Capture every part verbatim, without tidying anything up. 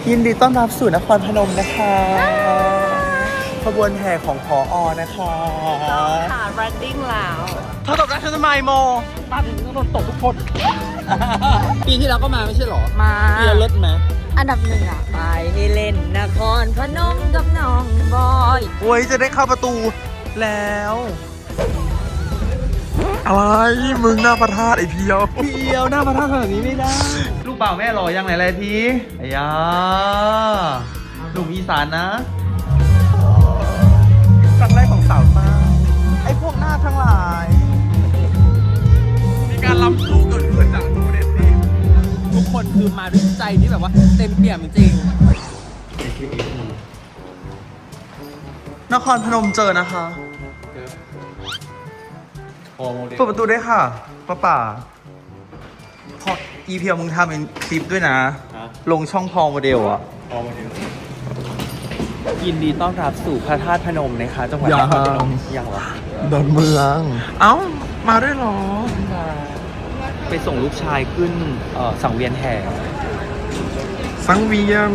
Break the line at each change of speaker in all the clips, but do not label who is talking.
ยินดีต้อนรับสู่นครพนมนะคะขบวนแห่ของผอ.นะคะ
ค่ะ running แล้ว
เธอตกได้ฉันทำไมโม
มาถึงต้องโดนตกทุกคนปีที่แล้วก็มาไม่ใช่หรอ
มา
เรียนรถไหม
อันดับหนึ่งอ่ะไปให้เล่นนครพนมกับน้องบอย
โอ้ยจะได้เข้าประตูแล้วอะไรมึงหน้าพระธาตุไอเพียวเพียวหน้าพระธาตุขนาดนี้ไม่ได้ลูกบ่าวแม่หล่อยังไหนเลยพี่ไอ้ยาหนุ่มอีสานนะครั้งแรกของสาวตาไอ้พวกหน้าทั้งหลาย
มีการล้ำสู้เกิดขึ้นจากทูเด็ดดีทุกคนคือมาด้วยใจที่แบบว่าเต็มเปี่ยมจริง
นครพนมเจอนะคะเปิดประตูได้ค่ะป้าป่าพออีเพียวมึงทำเป็นคลิปด้วยนะลงช่องพอโมเดลอะพอโมเดลยินดีต้อนรับสู่พระธาตุพนมนะคะจังหวัดนครพนมยังวะดอนเมืองเอ้ามาด้วยหรอไปส่งลูกชายขึ้นสังเวียนแห่สังเวียน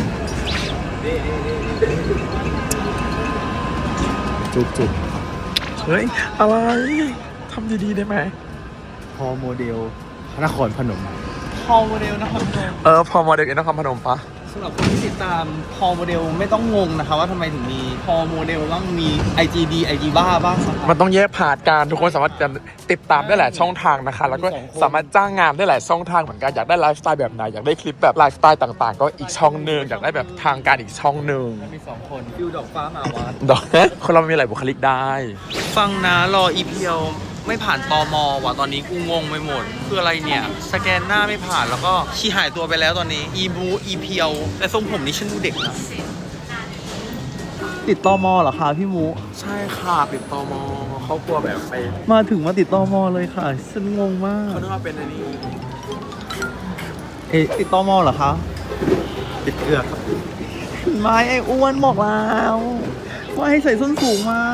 จุกจุกเฮ้ยอะไรทำดีๆได้ไหมพอโมเดลนครพนมพอโมเดลนครพนมเออพอโมเดลนครพนมปะสำหรับคนที่ติดตามพอโมเดลไม่ต้องงงนะคะว่าทำไมถึงมีพอโมเดลต้องมี ไอ จี ดี ไอ จี บ้าบ้างมันต้องแยกผ่านการทุกคนสามารถติดตามได้หลายช่องทางนะคะแล้วก็สามารถจ้างงานได้หลายช่องทางเหมือนกันอยากได้ไลฟ์สไตล์แบบไหนอยากได้คลิปแบบไลฟ์สไตล์ต่างๆก็อีกช่องหนึ่งอยากได้แบบทางการอีกช่องหนึ่งมีสองคนฟิวดอกฟ้ามาวัดดอกคนเรามีหลายบุคลิกได้ฟังนะรออีเพียวไม่ผ่านตม.ว่ะตอนนี้กูงงไปหมดคืออะไรเนี่ยสแกนหน้าไม่ผ่านแล้วก็ชี้หายตัวไปแล้วตอนนี้อีบูอีเพียวแต่ทรงผมนี่ฉันดูเด็กนะติดตม.เหรอคะพี่มูใช่ค่ะติดตม.เขากลัวแบบไปมาถึงมาติดตม.เลยค่ะฉันงงมากเขาคิดว่าเป็นอันนี้เอ๊ะติดตม.เหรอคะติดเกลือครับไม่ไอ้อ้วนบอกแล้วว่าให้ใส่ส้นสูงมา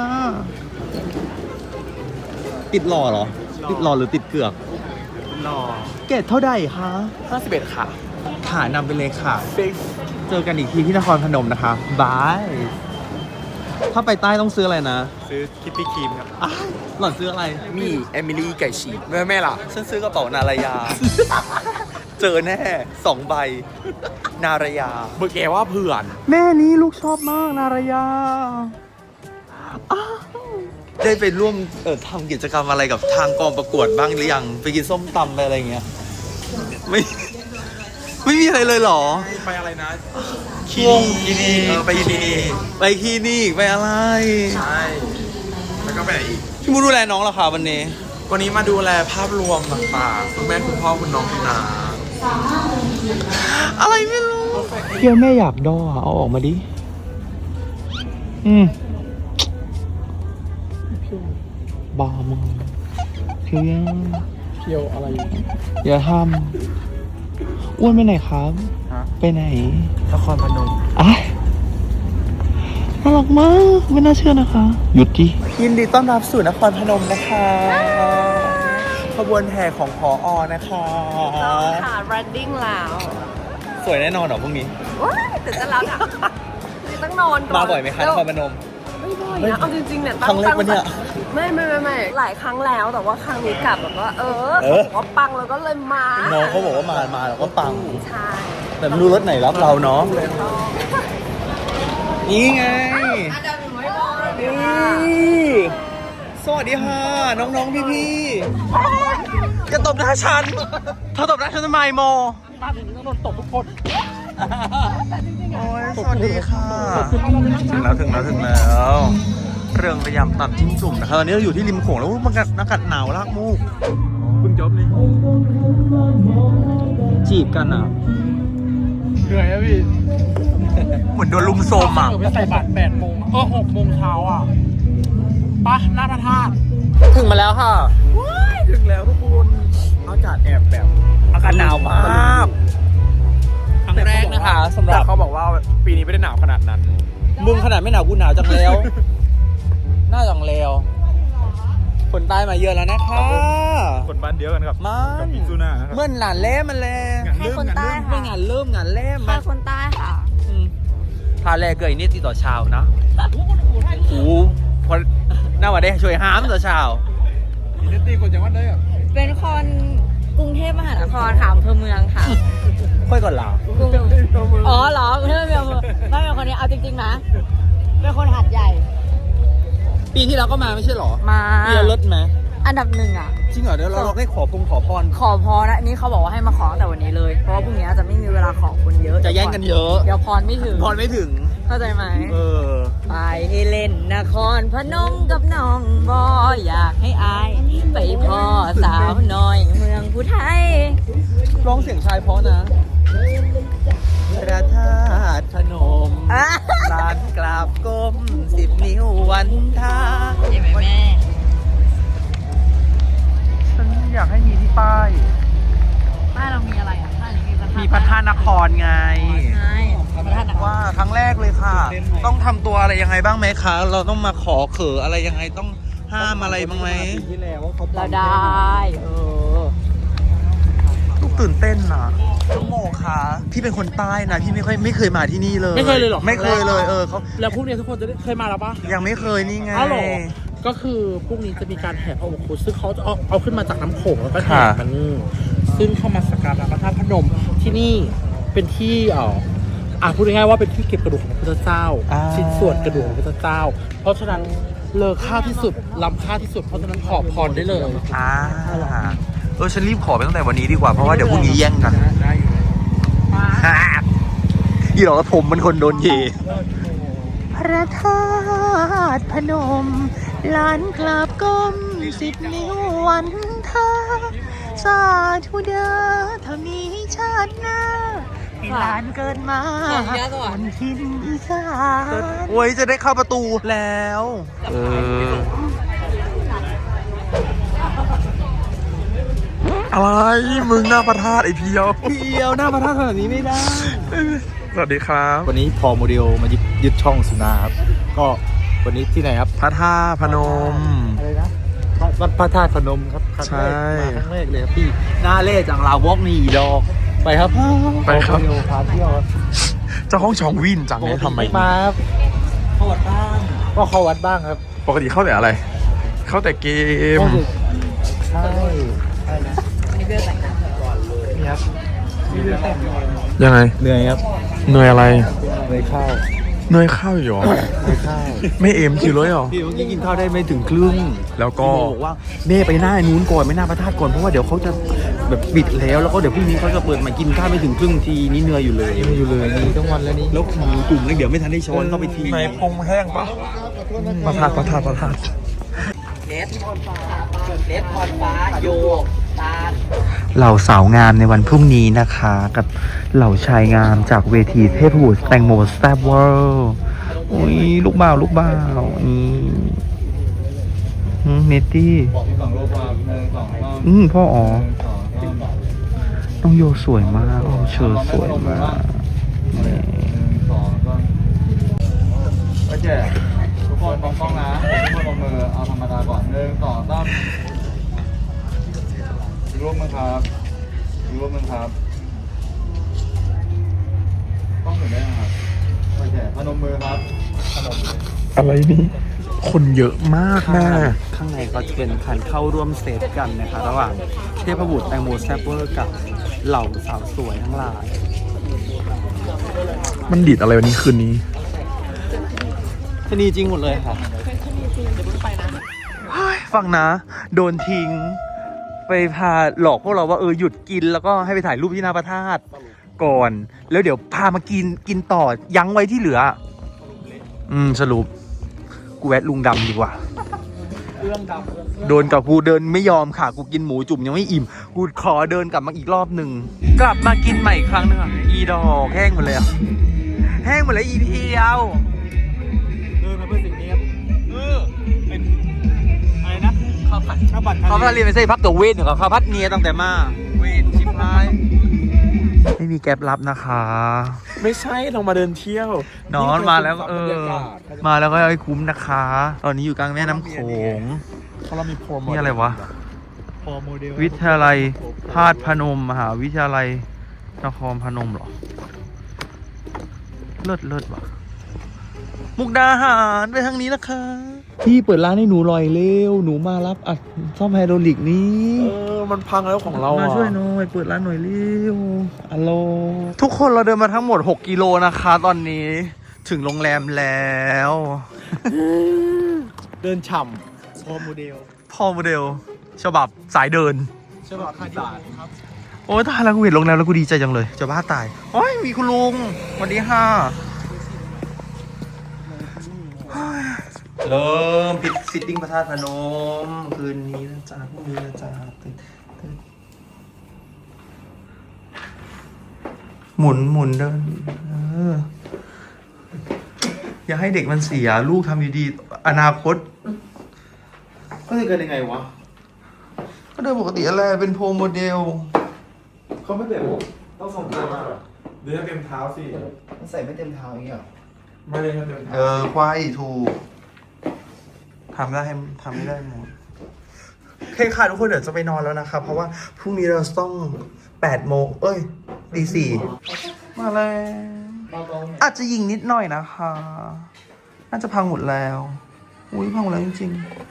ติดหล่อเหรอติดหล่อหรือติดเกือกหล่อเกรดเท่าใดคะห้าสิบเอ็ดค่ะขานำไปเลยค่ะเจอกันอีกทีที่นครพนมนะคะบายถ้าไปใต้ต้องซื้ออะไรนะซื้อคิปปี้ครีมครับหล่อนซื้ออะไรมีเอมิลี่ไก่ฉีกแม่แม่ล่ะฉันซื้อกระเป๋านารายาเจอแน่สองใบนารายา
เมื่อแกว่าเพื่อน
แม่นี้ลูกชอบมากนารายาได้ไปร่วมเอ่อทำกิจกรรมอะไรกับทางกองประกวดบ้างหรือยังไปกินส้มตำไปอะไรเงี้ยไม่ไม่มีอะไรเลยเหรอ
ไปอะไรนะ
คีนี่ไปคีนี่ไปคีนี่ไปอะไร
ใช่แล้วก็ไปไหนอีก
พี่มูดูแลน้องเหรอคะวันนี้
วันนี้มาดูแลภาพรวมต่างๆคุณแม่คุณพ่อคุณน้องคุณนา
อะไรไม่รู้เพียวแม่อยากดอเอาออกมาดิอืมบ้ามึงเพียวยัง
เพียวอะไร
อย่าทำอ้วนไปไหนครับไปไหน
นครพนม
อ่ะน่ารักมากไม่น่าเชื่อนะคะหยุดดิยินดีต้อนรับสู่นครพนมนะคะขบวนแห่ของผอ.นะคะ
ค่ะ running แล้ว
สวยแน่นอนเหรอพรุ่งนี้
ว้ายตื่นเต้นแล้วอ่ะต้องนอนก่อน
มาบ่อยไหมคะนครพนม
ไม่บ่อยนะเอาจริงๆเนี่ย
ครั้งแรกวันเนี้ย
ไม่ไม่ไม่ไม่หลายครั้งแล้วแต่ว่าครั้งนี้กลับแบบว่าเออเขาบอกว่าปังแล้วก็เลยมา
น้องเขาบอกว่ามามาแล้วก็ปัง
ใช่
แต่ไม่รู้รถไหนรับเราเนาะนี่ไงสวัสดีค่ะน้องๆพี่ๆจะตบหน้าฉันเธอตบหน้าฉันทำไมโม
มาถึงต้องโดนตบทุกคน
โอ้ยสวัสดีค่ะถึงแล้วถึงแล้วถึงแล้วเรื่องพยายามตัดจิ้มจุ่มนะครับตอนนี้เราอยู่ที่ริมโขงแล้วมันอากาศหนาวลากมูก
เพิ่งจบเลย
จีบกันอ่ะ
เหนื่อยอะพี่
เหมือนโดนลุมโซมอ่ะ
ไปใส่บาตรแปดโมงเออหกโมงเช้าอ่ะปะหน้าพระธาตุ
ถึงมาแล้วค่ะ
ถึงแล้วทุกคนอากาศแอบแบบ
อากาศหนาวมาก
ครั้งแรกนะคะสำหรับเขาบอกว่าปีนี้ไม่ได้หนาวขนาดนั้น
มึงขนาดไม่หนาวกูหนาวจังแล้วหน้าจังแล้วคนใต้มาเยอะแล้วนะคะ
คนบ้านเดียวกันครับ
กับ
มิซูน่า
เมื่อหนานเล่มันแล
ใครคนใต้ค่ะ
เมื่องานเริ่มงานเล่ม
ใครคนใต้ค่ะ
พาแรกเกิดนี่ติดต่อชาวนะโอ้พอหน้าวันได้ช่วยหามต่อชาวนี่ตีกดจากวันได้อะ
เป็นคนกรุงเทพมหานครค่ะอำเภอเมืองค่ะ
ค่อยก่อนเรา
กรุงอ๋อเหรอกรุงเทพเมืองไม่เป็นคนนี้เอาจริงๆนะเป็นคนหัดใหญ่
ปีที่แล้วก็มาไม่ใช่หรอ
มา
เบียร์ลดไหม
อันดับหนึ่งอ่ะ
จริงเหรอเดี๋ยวเราเราได้ขอพงขอพร
ขอพรนะนี่เขาบอกว่าให้มาขอตั้งแต่วันนี้เลย เพราะว่าพรุ่งนี้จะไม่มีเวลาขอคนเยอะ
จะแย่งกันเยอะ
เดี๋ยวพรไม่ถึง
พรไม่ถึง
เข้าใจไหม
เออ
ไปให้เล่นนครพนมกับน้องบออยากให้อายไปพ่อสาวน้อยเมืองผู้ไทย
ร้องเสียงชายเพราะนะพระธาตุพนม
อ่ะ
ลานกราบก้มสิบนิ้ววันทา
เห็นไหมแม่
ฉันอยากให้มีที่ป้าย
บ้านเรามีอะไรอ่ะบ้านนี้มีพระธาตุ
มีพระธาตุนครไง
ใช่พระธาตุนคร
ว่าครั้งแรกเลยค่ะ ต้องทำตัวอะไรยังไงบ้างไหมคะ เราต้องมาขอเขออะไรยังไงต้องห้ามอะไรบ้างไหม
เราได้เออ
ลูกตื่นเต้นนะน้องโมคะพี่เป็นคนใต้นะพี่ไม่ค่อยไม่เคยมาที่นี่เลย
ไม่เคยเลยเหรอ
ไม่เคยเลยเออเขา
แล้วพรุ่งนี้ทุกคนจะได้เคยมาแล้วปะ
ยังไม่เคยนี่ไง
อ้าวเหรอก็คือพรุ่งนี้จะมีการแห่พระอุโบสถซึ่งเขาจะเอาเอาขึ้นมาจากน้ำโขงแล้วก็แห่
ค่ะ
มันซึ่งเข้ามาสักการะพระธาตุพนมที่นี่เป็นที่เอ่ออ่ะพูดง่ายๆว่าเป็นที่เก็บกระดูกของพระพุทธเจ้า ชิ้นส่วนกระดูกของพระพุทธเจ้า เพราะฉะนั้นเลอค่าที่สุดล้ำค่าที่สุดเพราะฉะนั้นขอพรได้เลย
อ่าเออฉันรีบขอไปตั้งแต่วันนี้ดีกว่าเพราะว่าเดี๋ยวพรุ่งนี้แย่งกัน
ได้อยู่
อีหลอกผมมันคนโดนเยพระธาตุพนมลานกราบก้มสิบนิ้ววันทาสาธุเด้อถ้ามีชาติหน้าให้หลานเกิดมาบนทินอีสานโอ้ยจะได้เข้าประตูแล้วเออ
อะไรมึงหน้าพระธาตุไอเพียว
เพียวหน้าพระธาตุขนาดนี้ไม่ได้
สวัสดีครับ
วันนี้พอโมเดลมายึดยึดช่องสุนาครับ ก็วันนี้ที่ไหนครับ
พระธาตุพนม
อะไรนะวัดพระธาตุพนมครับครั้ง
ใช่
แรกมาครั้งแรกเลยครับพี่หน้าเล่จังลาวอกนี่ดอกไปครับ
ไปครับ
พอโมเดลพาเที่ยวครับ
เจ้าห้องชองวินจังเนี่ยทำไม
มาครับเข้าวัดบ้างก็เข้าวัดบ้างครับ
ปกติเข้าแต่อะไร เข้าแต่เกม
ก็คือใช่ใช่นะ
วันนี้เพื่อแต่งงาน
นี่ครับมีเรื่องแต่ง
ยังไง
เหนื่อยครับ
เหนื่อยอะไร
เหนื่อยข้าว
เหนื่อยข้าวอยู่หรอ
เหนื่อยข้าว
ไม่เอมคิวเลยเหรอ
พี่เมื่อกี้กินข้าวได้ไม่ถึงครึ่ง
แล้วก็
พี่โมบอกว่าเน่ไปหน้านู้นก่อนไม่หน้าพระธาตุก่อนเพราะว่าเดี๋ยวเขาจะแบบปิดแล้วแล้วก็เดี๋ยวพรุ่งนี้เขาจะเปิดมากินข้าวไม่ถึงครึ่งทีนี่เหนื่อยอยู่เลยเหนื่อยอยู่เลยนี่ทั้งวันแล้วนี่แล้วหมูจุ่มเลยเดี๋ยวไม่ทันได้ช้อนเข้าไปที
ในพงแห้งปะพระธาตุพระธาตุพระธาตุ
เลสพรฟ้าเลสพรฟ้าโยกตาล
เหล่าสาวงามในวันพรุ่งนี้นะคะ กับเหล่าชายงามจากเวทีเทพบุตรแตงโมแซ่บเวิลด์อุ้ยลูกบ่าวลูกบ่าวนี่หืมเนตตี้อืมพ่ออ๋อน้องโยสวยมากน้องเชอร์สวยมากนี่
โอเคทุกคนมองกล้องนะทุกคนมองมือเอาธรรมดาก่อนหนึ่งสองสามอีกรูปมึงครับอีกรูปมึงครับกล้องถึงได้นะครับโอเคพนมมือครับพนมมือ
อะไรนี่ คนเยอะมากแม่
ข้างในก็จะเป็นการเข้าร่วมเซตกันนะคะระหว่างเทพบุตรแตงโมแซ่บเวอร์กับเหล่าสาวสวยทั้งหลาย
มันดีดอะไรวันนี้คืนนี้
ชนีจริงหมดเลยค่ะฟังนะ โดนทิ้ง ไปพาหลอกพวกเราว่าเออหยุดกินแล้วก็ให้ไปถ่ายรูปที่หน้าพระธาตุก่อน แล้วเดี๋ยวพามากินกินต่อยั้งไว้ที่เหลือ อืมสรุป กูแวะลุงดำดีกว่า โดนกับกูเดินไม่ยอมค่ะ กูกินหมูจุ่มยังไม่อิ่ม กูขอเดินกลับมาอีกรอบหนึ่ง กลับมากินใหม่อีกครั้งหนึงอ่ะ อีดอกแห้งหมดเลยอ่ะ แห้งหมดเลยอีเพียว
เดินมาเพื่อสิ่งนี้ครับเออเป็นอะไรนะข้าวผัดข้าวผัด
เขาพัดเรียนไปใส่พักตัวเวนอยู่กับเขาพัดเนียตั้งแต่มา เวนชิบหาย ไม่มีแก๊ปรับนะคะ
ไม่ใช่เรามาเดินเที่ยวน
อนมาแล้วเออ
บรรยากาศ
มาแล้วก็ให้คุ้มนะคะ ตอนนี้อยู่กลางแม่น้ำโขง
เพราะเรามีโปรโมท
นี่อะไรวะ
พอโมเดล
วิทยาลัยธาตุพนมมหาวิทยาลัยนครพนมเหรอ เลิศเลิศว่ะมุกดาหารไปทางนี้นะคะ พี่เปิดร้านให้หนูหน่อยเร็ว หนูมารับอัดซ่อมไฮดรอลิกนี้
เออมันพังแล้วของเรา
มา
อ่ะ
ช่วยหน่อยเปิดร้านหน่อยเร็วอัลโหลทุกคนเราเดินมาทั้งหมดหกกิโลนะคะ ตอนนี้ถึงโรงแรมแล้ว
เดินฉ่ำพอโมเดล
พ่อโมเดลฉบับสายเดิน
ใช่ป่ะคาดิครับ
โอ้ยตายแล้วกูเห็นโรงแรมแล้วกูดีใจจังเลยจะบ้าตายโอ้ยมีคุณลุงสวัสดีค่ะเริ่มปิดซิตติ้งพระธาตุพนมคืนนี้นะจ๊ะพรุ่งนี้นะจ๊ะหมุนหมุนเดินเอออย่าให้เด็กมันเสียลูกทำดีๆอนาคต
ก็จะเกิดยังไงวะ
ก็โดยปกติอะไรเป็นโพรโมเดล
เขาไม่แบบต้องส่งตัวมา
เดินเต็มเท้าสิ
มันใส่ไม่เต็มเท้าอย่างเงี้ย
ไม่ได้เต็มเท้า
เออควายถูกทำได้ทำไม่ได้หมดโอเคค่ะทุกคนเดี๋ยวจะไปนอนแล้วนะครับ เพราะว่าพรุ่งนี้เราต้องแปดโมงเอ้ยตีสี่มาแล้วอาจจะยิงนิดหน่อยนะคะ น่าจะพังหมดแล้ว อุ้ยพังหมดแล้วจริง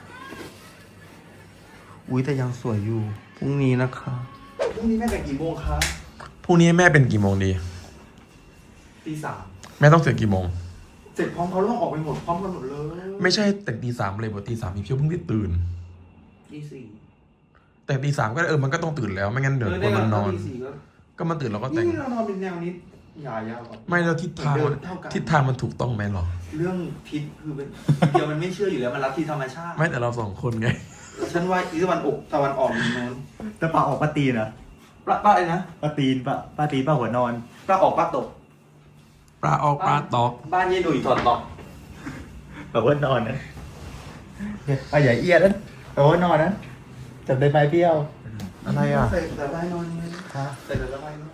ๆอุ้ยแต่ยังสวยอยู่พรุ่งนี้นะคะพรุ่งนี้แม่แต่งกี่โมงคะ
พรุ่งนี้แม่เป็นกี่โมงดี
ตีสาม
แม่ต้องเสร็จกี่โมง
เสร็จพร้อมเขาต้องออกไปหมดพร้อมกันหมดเลย
ไม่ใช่แต่งตีสามเลยบอกตีสามมีเพียวเพิ่งได้ตื่น
ตีสี่
แต่ตีสามก็เออมันก็ต้องตื่นแล้วไม่งั้นเดี๋ยวคนมันนอน
ตีสี่ก็
ก็มันตื่นแล้วก็แต่ง
นี่เรานอนเป็นแนวนี้ยาวๆก่อน
ไม่แล้วทิศทางมัน
เดินเท่ากัน
ทิศทางมันถูกต้องไหมหรอ
เรื่องทิศคือเป็น เดียวมันไม่เชื่ออยู่แล้วมันรับที่ธรรมชาติ
ไม่แต่เราสองคนไง
ฉันว่าอีตะวันออกตะวันออกอยู่โน้น
แต่ปลาออกปลาตีนอะ
ปลาปลาอะไรนะ
ปลาตีนปลาปลาตีนปลาหัวนอน
ปลาออกปลาตก
ปลาออกปลาตอก
บ้านยายหนุ่ยถอดตอก
แบบว่านอนนะปลาใหญ่เอียดนั้นแบบว่านอนนั้นจับได้ไหมเปรี้ยว
อะไรอ่ะ
ใส่แต่ใบนอนไง
ฮะ
ใส่แต่ใบนอน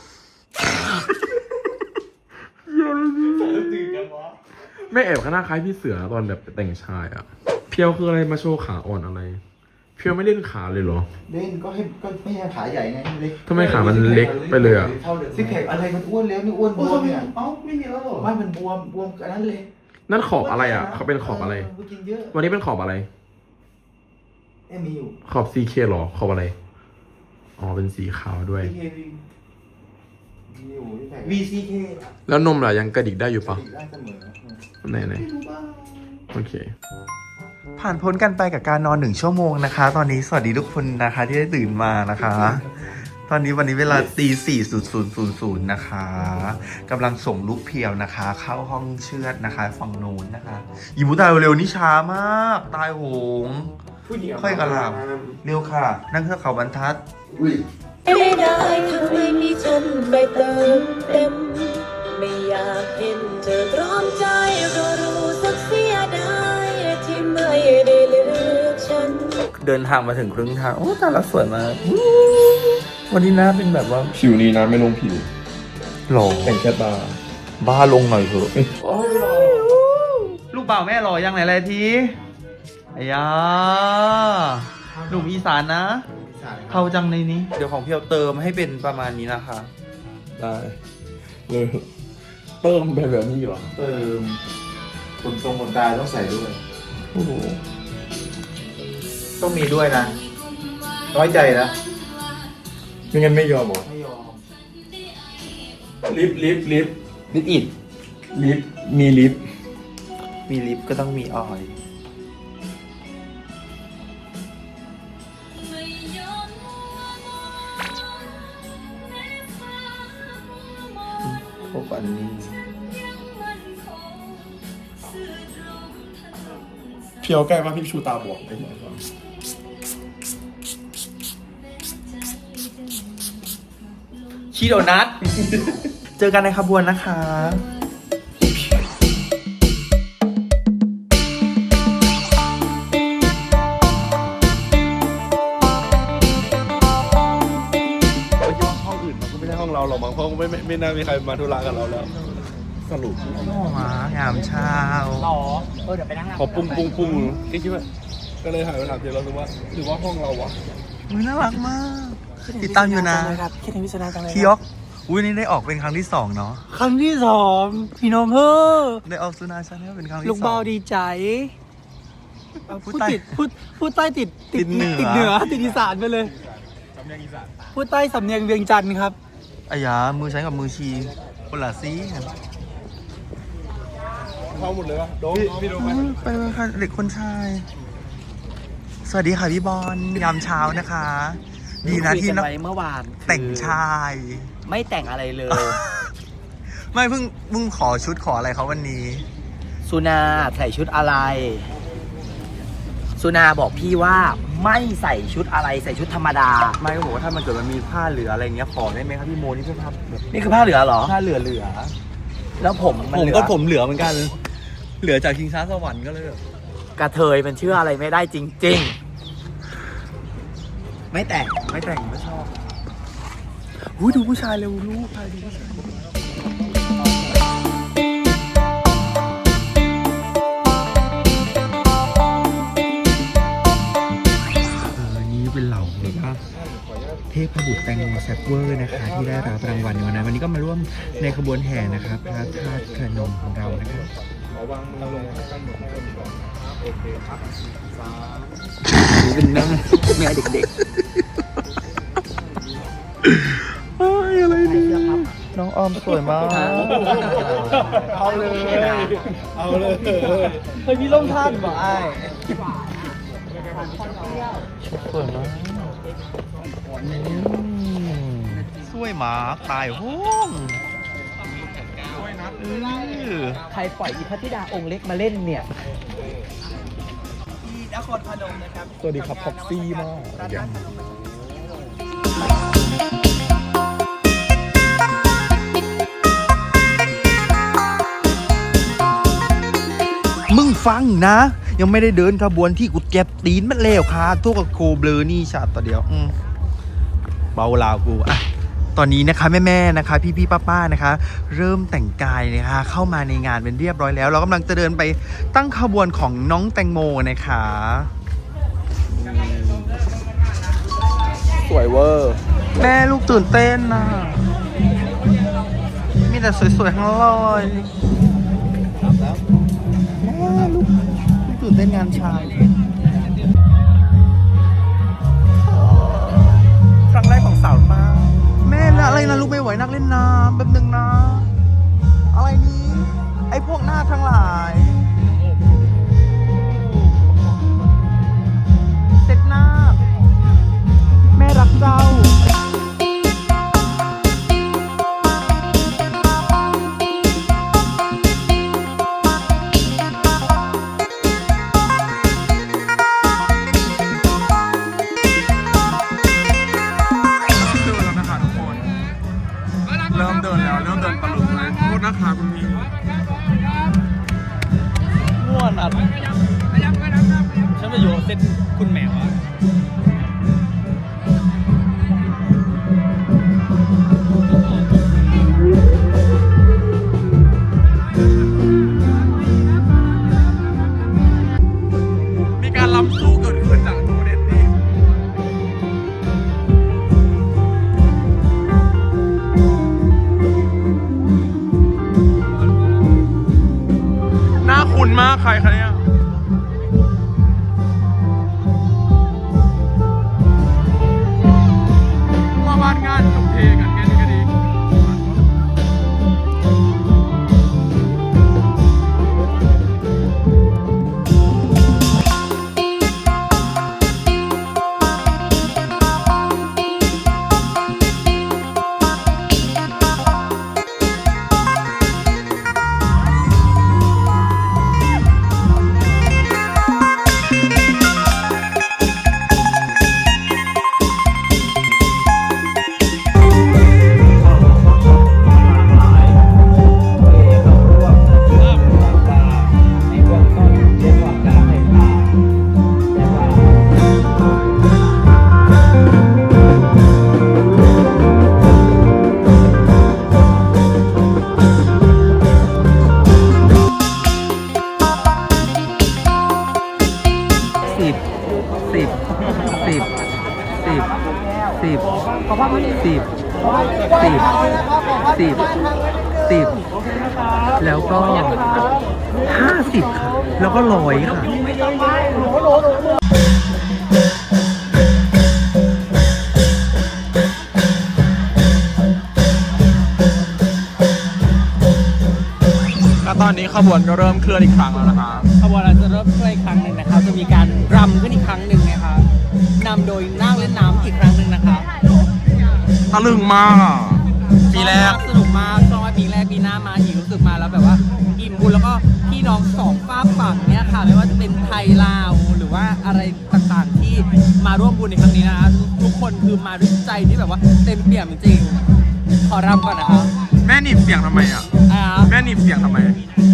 แม่แอบข้างหน้าคล้ายพี่เสือตอนแบบแต่งชายอ่ะ เพียวคืออะไรมาโชว์ขาอ่อนอะไร เพียวไม่เล่นขาเลยเหรอ
เล่นก็ให้ก็ไม่ให้ขาใหญ่ไงเล็ก
ทำไมขามันเล็กไปเลยอ่ะ
ซิกแพคอะไรมันอ้วนแล้วนี่อ้วนบวมเนี่ย
เอ้าไม่มีแล้วเหรอ
ไม่มันบวมบวมอันนั้นเลย
นั่นขอบอะไรอ่ะ เขาเป็นขอบอะไร
เกินเยอะ
วันนี้เป็นขอบอะไร
เอ็มมีอยู่
ขอบ ซี เค หรอ ขอบอะไร อ๋อ เป็นสีขาวด้วย
ซีเคมีอยู่ที่ไหน วี ซี เค
แล้วนมล่ะยังกระดิกได้อยู่ปะ
ได้เสมอ
ไหนไหนโอเค
ผ่านพ้นกันไปกับการนอนหนึ่งชั่วโมงนะคะ ตอนนี้สวัสดีทุกคนนะคะที่ได้ตื่นมานะคะ ตอนนี้วันนี้เวลาตีสี่ศูนย์ศูนย์ศูนย์ศูนย์นะคะกำลังส่งลูกเพียวนะคะ เข้าห้องเชือดนะคะฝั่งโน้นนะคะอีบูตายเร็วนี่ช้ามาก ตายโหงค่อยกระลาบเร็วค่ะ นั่งเครื่องเขาบรรทัด
ไม่ได้ทำให้มีฉันไปเติมเต็ม ไม่อยากเห็นเธอตรอมใจก็รู้สึกเสียดายที่ไม่ได้เลือกฉัน
เดินทางมาถึงครึ่งทางโอ้ตาละสวยมากวันนี้หน้าเป็นแบบว่า
ผิวนี้นะไม่ลงผิว
หล่อ
แต่งแค่ตา
บ้าลงหน่อยเถอะลูกเปล่าแม่หล่อยังไหนอะไรทีไอ้ยาหนุ่มอีสานนะเข้าจังในนี้ เดี๋ยวของเพียวเติมให้เป็นประมาณนี้นะคะ
ได้เลยเติมเป็นแบบนี้เหรอ
เติมขนทรงขนตาต้องใส่ด้วย
โอ้โห
ต้องมีด้วยนะ น้อยใจนะ
ไม่งั้นไม่ยอมหรอ
ไม่ยอม
ลิฟต์ลิฟต์ลิฟต์
ลิปอิด
ลิฟต์มีลิฟต์
มีลิปก็ต้องมีออยล์พวกอันนี้
เพียวใกล้มากพี่ชูตาบอดไปหมดก่อน
ชีโดนัท เจอกันในขบวนนะคะ
ห้องอื่นมันก็ไม่ใช่ห้องเราหรอกบางห้องไม่ไม่ไม่น่ามีใครมาธุระกับเราแล้ว สรุป
โอ้มางามเช้า
หรอ เออ เดี๋ยวไปนั่งหลัง
พอปุ้งปุ้งปุ้งคิดคิดว่าก็เลยถ่ายไปถามเจเราดูว่าหรือว่าห้องเราวะ
มือน่ารักมาก ติดตามอยู่นะ
คิดถึงพิศนาจังเลย
พี่ยกอุ้ยนี่ได้ออกเป็นครั้งที่สองเนาะ
ครั้งที่สองพี่น้องเฮ้อ
ได้ออกซูนาชาแนลเป็นครั้งที่ส
ลู
อง
กเบาดีใจเอา
พู
พู
ด
ด
ใต้
ติดพูดพูดใต้ติด
ติดเหนือ
ติดเหนือติดอีสานไปเลยพูดใต้สำเนียงเวียงจันทร์ครับ
อายามือใช้กับมือชีคนละซีกัน
เข้าหมดเลยวะโดมพี่โดม
อืมไปเลยค่ะเด็กคนชาย สวัสดีค่ะพี่บอลยามเช้านะคะ ดีนะที่
คุยกั
น้อง
ไว้เมื่อวาน
แต่งชาย
ไม่แต่งอะไรเลย
ไม่เพิ่งเพิ่งขอชุดขออะไรเขาวันนี้
สุนาใส่ชุดอะไร สุนาบอกพี่ว่าไม่ใส่ชุดอะไรใส่ชุดธรรมดา
ไม่ก็บอกว่าถ้ามันเกิดมันมีผ้าเหลืออะไรเงี้ยขอได้ไหมครับพี่โมนี่เพื่อผ้าแบบ
นี่คือผ้าเหลือเหรอ
ผ้าเหลือเหลือ
แล้วผมมัน
ผม
เหลือ
ก็ผมเหลือเหมือนกัน เหลือจากคิงช้าสวรรค์ก็เลยแบบ
กระเทยมันเชื่ออะไรไม่ได้จริง ๆ ไม่แต่ง
ไม่แต่งไม่ชอบหูดูผู้ชายเร็วลูกชายดูผู้ชายเออนี่เป็นเหล่าแบบว่าเทพบุตรแตงโมแซฟเวอร์นะคะ ที่ได้รับรางวัลในวันนั้นวันนี้ก็มาร่วมในขบวนแห่นะครับพระธาตุขนมของเรานะครับเป็นนั่งแม่เด็กๆอะไรเนี่ยน้องออมสวยมาก
เอาเลยเอาเลยเฮ้ยมีล่มท่านบอกไอ้
สวยมากสวยมากตายห้องเออ
ใครปล่อยอีพัทธิดาองค์เล็กมาเล่นเนี่ย
สวัสดีครับพ็อกซี่มาก
มึงฟังนะ ยังไม่ได้เดินขบวนที่กูเจ็บตีนมันแล้วค่ะทุกกับโคเบลอนี่ชาติต่อเดียวอืมเบาลาวกูอ่ะตอนนี้นะคะแม่ๆนะคะ พี่ๆป้าๆนะคะ เริ่มแต่งกายนะคะเข้ามาในงานเป็นเรียบร้อยแล้ว เรากำลังจะเดินไปตั้งขบวนของน้องแตงโมนะคะ
สวยเวอร์
แม่ลูกตื่นเต้นนะมีแต่สวยๆทั้งนั้นเลยแม่ลูกลูกตื่นเต้นงานชายครั้งแรกของสาวป้าแม่แล้วอะไรนะลูกไม่ไหวนักเล่นน้ำแป๊บนึงนะ อะไรนี้ ไอ้พวกหน้าทั้งหลายเสร็จหน้า แม่รักเจ้า
เริ่มเดินแล้วเริ่มเดินตะลุมเลยโทษนะคะคุณพี่
ม่วนอ่ะ
ฉันมาอยู่เซตคุณแมวอะ
มีการล้ำสู้เกิดขึ้นจากโมเดลนี้น่าคุ้นมากใครคะเนี่ยว่าบ้านงานจบเทกันแค่นี้ก็ดี
เแล้วก็ห้าสิบค่ะแล้วก็ร้อยค่ะ
แล้วตอนนี้ขบวนก็เริ่มเคลื่อนอีกครั้งแล้วนะคะ
ขบวนเราจะเริ่มเคลื่อนอีกครั้งหนึ่งนะครับ จะมีการรำขึ้นอีกครั้งหนึ่งนะครับนำโดยนั่งเล่นน้ำอีกครั้งหนึ่งนะครับ
ตะลึงมากอ่ะปีแรก
สนุกมากชอบว่าปีแรกปีหน้ามาอีกรู้สึกมาแล้วแบบว่าอิ่มบุญแล้วก็พี่น้องสองฝากฝั่งเนี้ยค่ะไม่ว่าจะเป็นไทยลาวหรือว่าอะไรต่างๆที่มาร่วมบุญในครั้งนี้นะทุกคนคือมาด้วยใจที่แบบว่าเต็มเปี่ยมจริงๆขอรำก่อนนะครับ
แม่หนีบเสียงทำไมอ่ะ
อ่า
แม่หนีบเสียงทำไม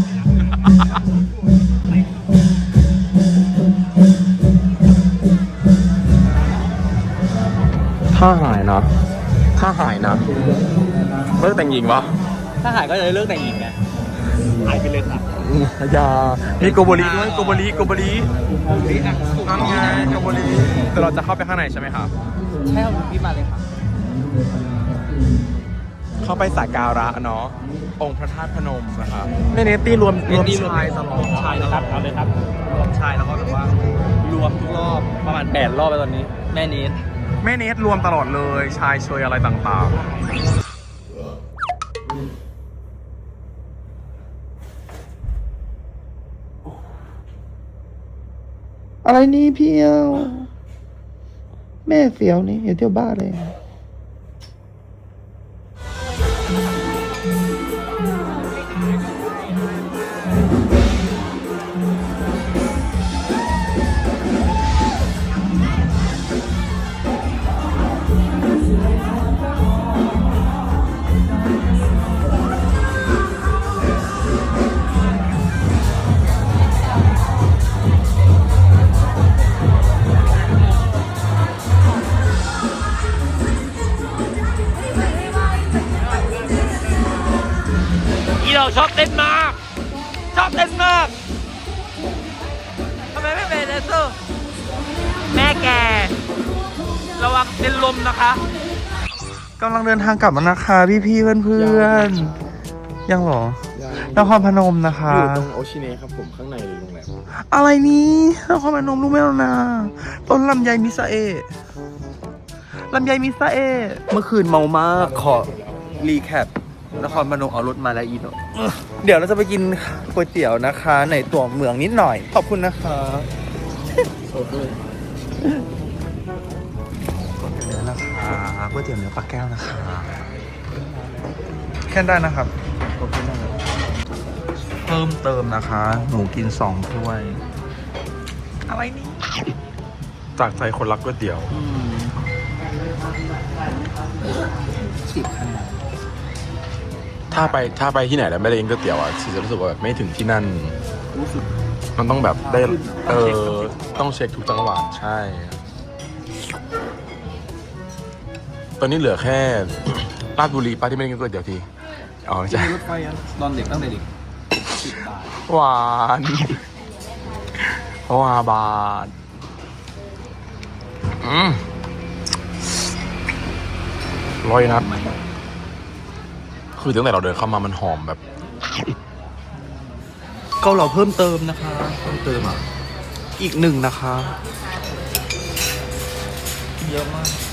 ถ้าหายนะ ถ้าหายนะเลิกแต่งหญิงปะ
ถ้าหายก็จะเลิกแต่งหญิงไงหายไปเลยครับ
อย่ามีโกโบริด้วยโกโบริโกโบรินั่นไงโกโบริแต่เราจะเข้าไปข้างในใช่ไหมครับ
ใช่ครับพี่มาเลยครับ
เข้าไปสักการะเนาะองค์พระธาตุพนมนะครับในเนตี้รวมรวมชายตลอด
ชายนะครับเอาเลยครับรวมชายแล้วก็แบบว่ารวมทุกรอบประมาณแปดรอบไปตอนนี้แม่นี้
แม่เนตรวมตลอดเลยชายเชยอะไรต่างๆ
อะไรนี่พี่เอวแม่เสียวนี่อย่าเที่ยวบ้าเลย
อีเราชอบเต้นมาก ชอบเต้นมากทำไมไม่เป็นแดนเซอร์แม่แกระวังเป็นลมนะคะ
กำลังเดินทางกลับมานะคะพี่พี่เพื่อนเพื่อนๆยังเหรอ นครพนมนะคะ
อยู่ตรงโอชิเนะครับผมข้างในเลยโรงแรม
อะไรนี้นครพนมรู้ไหมล่ะนะต้นลำไยมิซาเอะลำไยมิซาเอะเมื่อคืนเมามากขอรีแคปนครพนมเอารถมาแล้วอีโนเดี๋ยวเราจะไปกินก๋วยเตี๋ยวนะคะ ในตัวเมืองนิดหน่อย ขอบคุณนะคะโอเคก๋วยเตี๋ยวเนื้อนะคะก๋วยเตี๋ยวเนื้อปลาแก้วนะคะแค่ได้นะครับขอบคุณนะครับเพิ่มเติมนะคะ หนูกินสองถ้วย อะไรนี่
จากใจคนรักก๋วยเตี๋ยว
สิบคะแนน
ถ้าไปถ้าไปที่ไหนแล้วไม่ได้กินก๋วยเตี๋ยวอ่ะจะรู้สึกว่าแบบไม่ถึงที่นั่น มันต้องแบบได้เออต้องเช็คทุกจังหวัดใช่ ตอนนี้เหลือแค่ ราชบุรีป้าที่ไม่ได้กินก๋วยเตี๋ยวทีอ๋อใช่
รถไฟตอนเด็กตั้งแต่เด็ก
หวานเพราะว่าบาทอืมร้อยนัดคือตั้งแต่เราเดินเข้ามามันหอมแบบ
เกาเหลาเพิ่มเติมนะคะเพิ่มเติมอ่ะอีกหนึ่งนะคะ
เยอะมาก